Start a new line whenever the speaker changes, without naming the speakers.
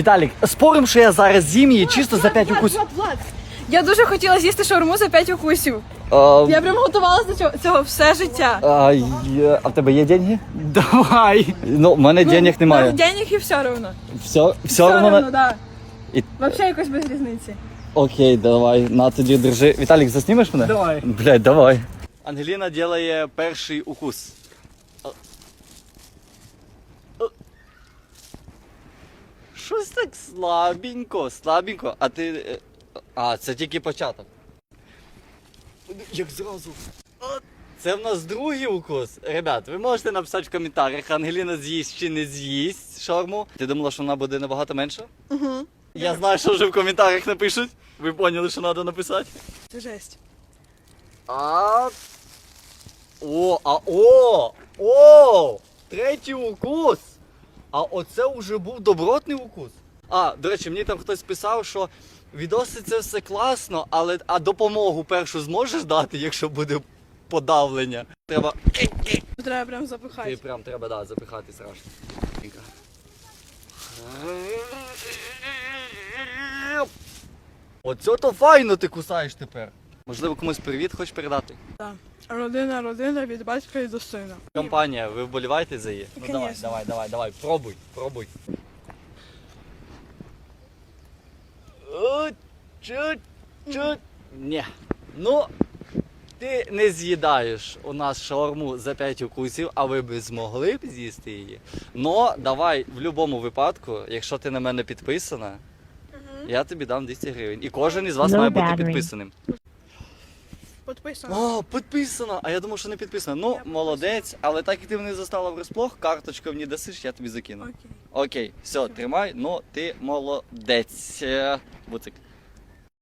Віталік, спорим, що я зараз з'їм її чисто за 5 укусів.
Влад, я дуже хотіла з'їсти шаурму за 5 укусів. Я прям готувалася до цього все життя.
А в тебе є деньги?
Давай.
Ну, в мене денег немає.
Денег і все равно.
Все одно?
да.
І-
Вообще якось без різниці.
Окей, давай, на тоді держи. Віталік, заснімеш мене?
Давай.
Блядь, давай. Ангеліна делає перший укус. Щось так слабенько. А ти... А, це тільки початок. Як зразу. Це в нас другий укус. Ребят, ви можете написати в коментарях, Ангеліна з'їсть чи не з'їсть шаурму. Ти думала, що вона буде набагато менша?
Угу.
Я знаю, що вже в коментарях напишуть. Ви поняли, що треба написати?
Це жесть.
Третій укус. А оце вже був добротний укус. До речі, мені там хтось писав, що відоси це все класно, але допомогу першу зможеш дати, якщо буде подавлення? Треба
Треба прям запихати.
прям треба запихати страшно. Оце то файно ти кусаєш тепер. Можливо, комусь привіт хочеш передати?
Так. Родина від батька і до сина.
Компанія, ви вболіваєте за її? Ну
Конечно.
давай, пробуй. Чуть. Ні. Ну, ти не з'їдаєш у нас шаурму за 5 укусів, а ви б змогли б з'їсти її. Но давай, в будь-якому випадку, якщо ти на мене підписана, я тобі дам 200 гривень. І кожен із вас має бути підписаним.
Підписано.
Підписано! А я думав, що не підписано. Ну, молодець, але так як ти мене застала врасплох, карточку мені дасиш, я тобі закину.
Окей.
Окей, все, тримай, ну ти молодець. Буцик.